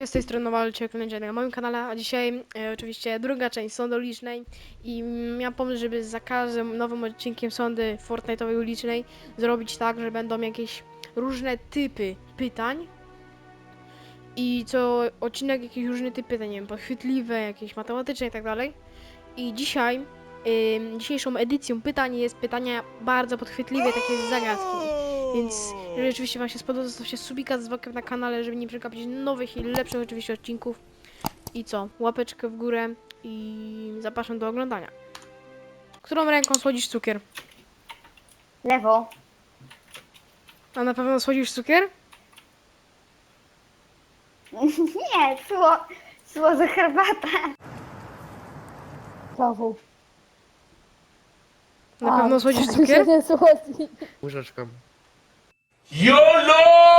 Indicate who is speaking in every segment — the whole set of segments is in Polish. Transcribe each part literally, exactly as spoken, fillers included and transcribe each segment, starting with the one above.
Speaker 1: Z tej strony Walczyk na moim kanale, a dzisiaj e, oczywiście druga część sądy ulicznej i miałem pomysł, żeby za każdym nowym odcinkiem sądy Fortnite'owej ulicznej zrobić tak, że będą jakieś różne typy pytań i co odcinek jakieś różne typy pytań, nie wiem, podchwytliwe, jakieś matematyczne i tak dalej. I dzisiaj, ym, dzisiejszą edycją pytań jest pytania bardzo podchwytliwe, takie zagadki. Więc jeżeli oczywiście wam się spodoba, zostawcie subika z dzwonkiem na kanale, żeby nie przegapić nowych i lepszych oczywiście odcinków. I co? Łapeczkę w górę i zapraszam do oglądania. Którą ręką słodzisz cukier?
Speaker 2: Lewo.
Speaker 1: A na pewno słodzisz cukier?
Speaker 2: Nie, sło, słodzę herbatę.
Speaker 3: Prawą.
Speaker 1: Na
Speaker 3: A,
Speaker 1: pewno słodzisz
Speaker 3: to
Speaker 1: cukier?
Speaker 3: się nie słodzi.
Speaker 4: Łyżeczką.
Speaker 5: YOLO!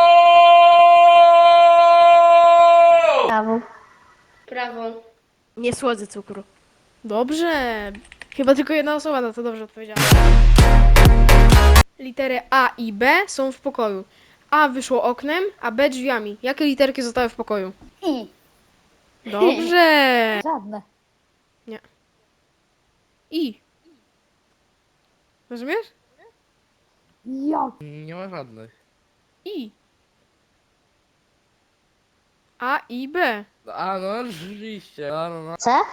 Speaker 2: Prawo. Prawo.
Speaker 6: Nie słodzę cukru.
Speaker 1: Dobrze. Chyba tylko jedna osoba na to dobrze odpowiedziała. Litery A i B są w pokoju. A wyszło oknem, a B drzwiami. Jakie literki zostały w pokoju?
Speaker 2: I.
Speaker 1: Dobrze.
Speaker 3: Żadne.
Speaker 1: I. Rozumiesz?
Speaker 3: Jak?
Speaker 4: Nie ma żadnych.
Speaker 1: I. A i B.
Speaker 4: A no oczywiście. No, no, no.
Speaker 2: C?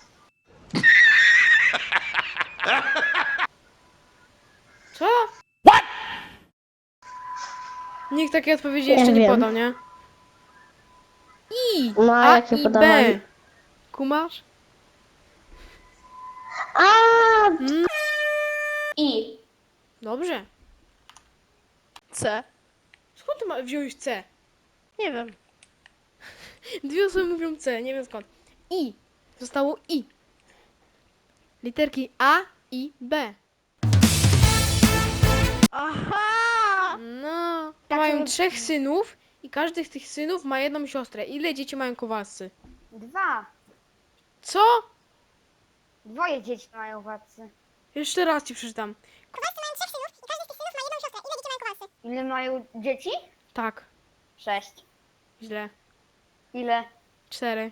Speaker 1: Co? What? Nikt takiej odpowiedzi
Speaker 2: Nie
Speaker 1: jeszcze nie
Speaker 2: wiem.
Speaker 1: podał, nie? I.
Speaker 2: No, a
Speaker 1: A
Speaker 2: jakie
Speaker 1: i B.
Speaker 2: podawali?
Speaker 1: Kumasz?
Speaker 2: A.
Speaker 1: Mm.
Speaker 2: I.
Speaker 1: Dobrze.
Speaker 6: C?
Speaker 1: Skąd ty ma- wziąłeś C?
Speaker 6: Nie wiem.
Speaker 1: Dwie osoby mówią C, nie wiem skąd. I. Zostało I. Literki A i B.
Speaker 6: Aha!
Speaker 1: No.
Speaker 2: Tak,
Speaker 1: Mają
Speaker 2: to-
Speaker 1: trzech synów i każdy z tych synów ma jedną siostrę. Ile dzieci mają Kowalscy?
Speaker 2: Dwa.
Speaker 1: Co?
Speaker 2: Dwoje dzieci mają władcy.
Speaker 1: Jeszcze raz ci przeczytam.
Speaker 2: Ile mają dzieci?
Speaker 1: Tak.
Speaker 2: Sześć.
Speaker 1: Źle.
Speaker 2: Ile?
Speaker 1: Cztery.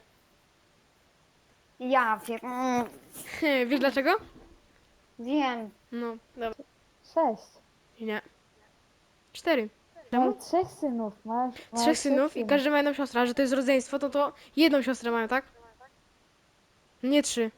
Speaker 2: Ja wiem. Mm,
Speaker 1: Wiesz dlaczego?
Speaker 2: wiem.
Speaker 1: No, dobra.
Speaker 3: Sześć.
Speaker 1: Nie. Cztery.
Speaker 3: Mam trzech synów. Masz, masz
Speaker 1: Trzech synów i każdy ma jedną siostrę, a że to jest rodzeństwo, to to jedną siostrę mają, tak? Nie trzy.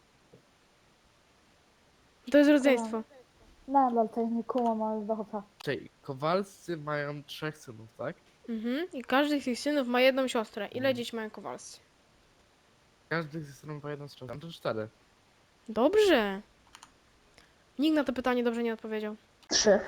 Speaker 1: To jest rodzeństwo.
Speaker 3: Nadal to nie kumam, ale dobra.
Speaker 4: Czyli Kowalscy mają trzech synów, tak?
Speaker 1: Mhm. I każdy z tych synów ma jedną siostrę. Ile dzieci mają Kowalscy?
Speaker 4: Każdy z synów ma jedną siostrę. To cztery.
Speaker 1: Dobrze. Nikt na to pytanie dobrze nie odpowiedział.
Speaker 2: Trzy.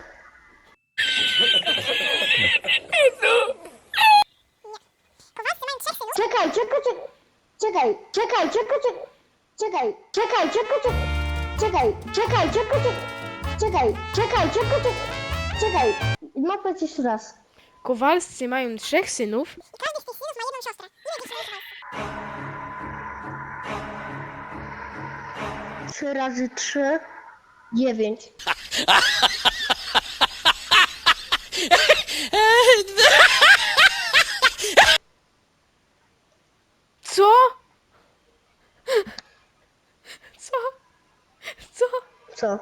Speaker 2: Czekaj, czekaj, czekaj, czekaj, czekaj, czekaj, czekaj, czekaj, czekaj, czekaj, czekaj, czekaj, czekaj, czekaj, czekaj, czekaj, czekaj. Ma powiedzieć jeszcze raz.
Speaker 1: Kowalscy mają trzech synów.
Speaker 2: Trzy razy trzy, dziewięć.
Speaker 1: Co? Co? Co?
Speaker 2: Co?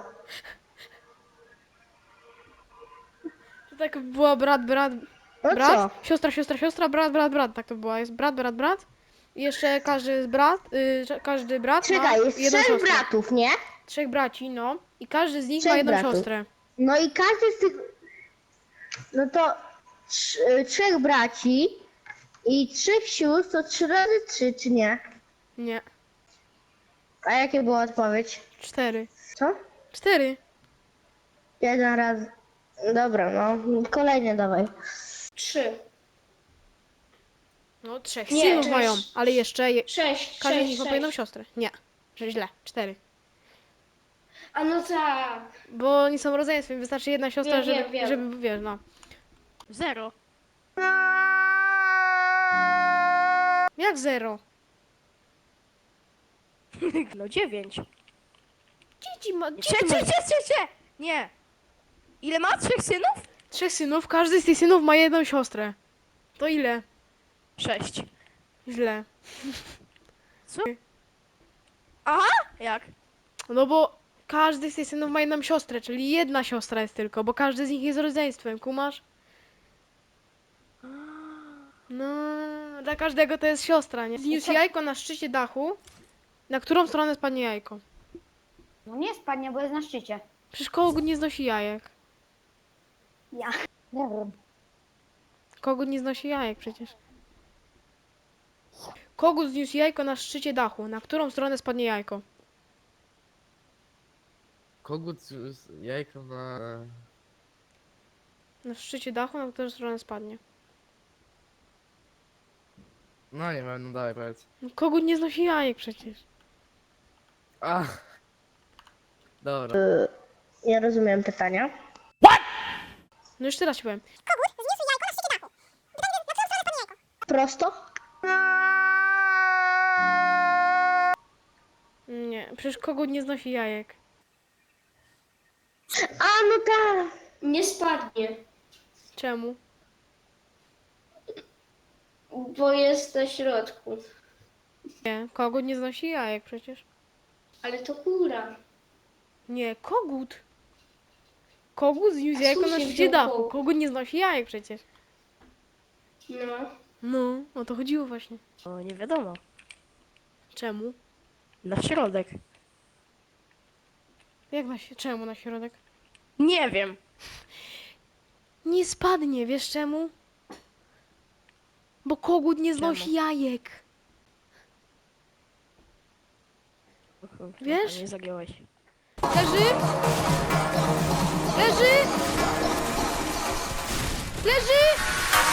Speaker 1: To tak było brat, brat,
Speaker 2: No
Speaker 1: brat,
Speaker 2: co?
Speaker 1: siostra, siostra, siostra, brat, brat, brat. Tak to było. Jest brat, brat, brat. I jeszcze każdy z brat, y, że- każdy brat
Speaker 2: Czekaj,
Speaker 1: ma
Speaker 2: jest
Speaker 1: jedną
Speaker 2: trzech
Speaker 1: siostrę.
Speaker 2: bratów, nie?
Speaker 1: Trzech braci, no. I każdy z nich
Speaker 2: Trzech
Speaker 1: ma jedną
Speaker 2: bratów.
Speaker 1: siostrę.
Speaker 2: No i każdy z tych... No to trz- trzech braci i trzech sióstr to trzy razy trzy, czy nie?
Speaker 1: Nie.
Speaker 2: A jakie była odpowiedź?
Speaker 1: Cztery.
Speaker 2: Co?
Speaker 1: Cztery.
Speaker 2: Jeden raz. Dobra, no. Kolejny dawaj. Trzy.
Speaker 1: No, trzech
Speaker 2: Nie,
Speaker 1: synów
Speaker 2: sześć.
Speaker 1: mają, ale jeszcze je,
Speaker 2: Sześć.
Speaker 1: każdy z nich ma po jedną siostrę. Nie. Że źle. Cztery.
Speaker 2: A no tak.
Speaker 1: Bo oni są rodzeństwem, wystarczy jedna siostra,
Speaker 2: Wiem,
Speaker 1: żeby,
Speaker 2: wiem, wiem.
Speaker 1: żeby, wiesz, no.
Speaker 6: Zero.
Speaker 1: Jak zero?
Speaker 6: No dziewięć.
Speaker 1: Dzieci ma,
Speaker 6: Cie,
Speaker 1: dzieci
Speaker 6: cie,
Speaker 1: ma.
Speaker 6: cie, cie, cie! Nie. Ile ma? Trzech synów?
Speaker 1: Trzech synów, każdy z tych synów ma jedną siostrę. To ile?
Speaker 6: Sześć.
Speaker 1: Źle.
Speaker 6: Co? Aha, jak?
Speaker 1: No bo każdy z tych synów ma jedną siostrę, czyli jedna siostra jest tylko, bo każdy z nich jest rodzeństwem, kumasz? No, dla każdego to jest siostra, nie? Zniósł jajko na szczycie dachu. Na którą stronę spadnie jajko?
Speaker 2: No nie spadnie, bo jest na szczycie.
Speaker 1: Przecież kogut nie znosi jajek.
Speaker 2: Ja.
Speaker 3: Nie wiem.
Speaker 1: Kogut nie znosi jajek przecież. Kogut zniósł jajko na szczycie dachu. Na którą stronę spadnie jajko?
Speaker 4: Kogut z jajko na...
Speaker 1: Na szczycie dachu, na którą stronę spadnie?
Speaker 4: No nie wiem, no dawaj powiedz.
Speaker 1: No, kogut nie znosi jajek przecież.
Speaker 4: A. Dobra.
Speaker 2: Ja rozumiem pytania.
Speaker 1: No już teraz ci powiem.
Speaker 2: Prosto?
Speaker 1: Nie, przecież kogut nie znosi jajek.
Speaker 2: A no tak.
Speaker 7: Nie spadnie,
Speaker 1: Czemu?
Speaker 7: bo jest na środku.
Speaker 1: Nie, kogut nie znosi jajek przecież.
Speaker 7: Ale to kura.
Speaker 1: Nie, kogut. Kogut zniósł
Speaker 7: A
Speaker 1: jajko
Speaker 7: skąd
Speaker 1: na
Speaker 7: się
Speaker 1: szczycie
Speaker 7: wziął
Speaker 1: dachu.
Speaker 7: kogut?
Speaker 1: Kogut nie znosi jajek przecież.
Speaker 7: No.
Speaker 1: No, o to chodziło właśnie.
Speaker 6: O, nie wiadomo.
Speaker 1: Czemu?
Speaker 6: Na środek.
Speaker 1: Jak na się, czemu na środek?
Speaker 6: Nie wiem.
Speaker 1: Nie spadnie, wiesz czemu? Bo kogut nie znosi
Speaker 6: Czemu?
Speaker 1: jajek. Wiesz?
Speaker 6: Nie zagiąłeś.
Speaker 1: Leży! Leży! Leży!